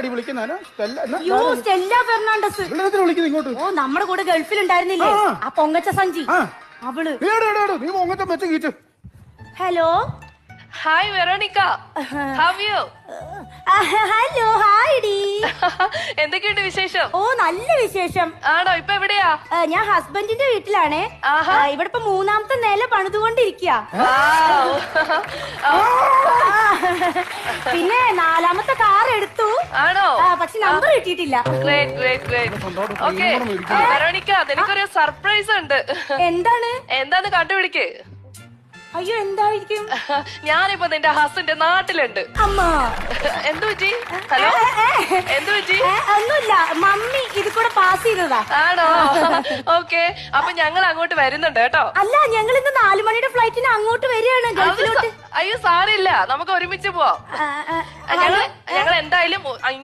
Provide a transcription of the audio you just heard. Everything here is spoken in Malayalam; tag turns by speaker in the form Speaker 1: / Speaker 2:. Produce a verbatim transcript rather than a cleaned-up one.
Speaker 1: ആരാടി വിളിക്കുന്നതിന്?
Speaker 2: യോ സ്റ്റെല്ല ഫെർണാണ്ടസ്
Speaker 1: വിളിക്കുന്നത് ഇങ്ങോട്ട്.
Speaker 2: ഓ നമ്മുടെ കൂടെ ഗൾഫിൽ ഉണ്ടായിരുന്നില്ലേ ആ പൊങ്ങച്ച സഞ്ചി അവള്.
Speaker 1: നീ പൊങ്ങച്ച മെച്ച കീറ്റ്.
Speaker 2: Hello
Speaker 3: hi Veronica, how you?
Speaker 2: Hello hi ഡി.
Speaker 3: എന്തൊക്കെയുണ്ട് വിശേഷം?
Speaker 2: ഓ നല്ല വിശേഷം.
Speaker 3: ആണോ? ഇപ്പൊ എവിടെയാ?
Speaker 2: ഞാൻ ഹസ്ബൻഡിന്റെ വീട്ടിലാണേ. ഇവിടെ ഇപ്പൊ മൂന്നാമത്തെ നില പണിതുകൊണ്ടിരിക്കുക. പിന്നെ നാലാമത്തെ കാർ എടുത്തു.
Speaker 3: ആണോ?
Speaker 2: പക്ഷെ നമ്പർ കിട്ടിയിട്ടില്ല.
Speaker 3: Great great great. Okay Veronica, എനിക്കൊരു സർപ്രൈസ് ഉണ്ട്.
Speaker 2: എന്താണ്?
Speaker 3: എന്താന്ന് കണ്ടുപിടിക്ക്.
Speaker 2: അയ്യോ എന്തായിരിക്കും?
Speaker 3: ഞാനിപ്പോ നിന്റെ ഹസ്ബൻഡ് നാട്ടിലുണ്ട്.
Speaker 2: അമ്മ
Speaker 3: എന്തു പറ്റി? ഹലോ എന്തു പറ്റി?
Speaker 2: ഒന്നുമില്ല, മമ്മി ഇത് കൂടെ പാസ് ചെയ്തതാ.
Speaker 3: ആണോ? ഓക്കെ, അപ്പൊ ഞങ്ങൾ അങ്ങോട്ട് വരുന്നുണ്ട് കേട്ടോ.
Speaker 2: അല്ല, ഞങ്ങൾ ഇന്ന് നാലു മണിയുടെ ഫ്ലൈറ്റിന് അങ്ങോട്ട് വരികയാണ് ഗൾഫിലോട്ട്.
Speaker 3: അയ്യോ സാരില്ല, നമുക്ക് ഒരുമിച്ച് പോവാം. ഞങ്ങൾ ഞങ്ങൾ എന്തായാലും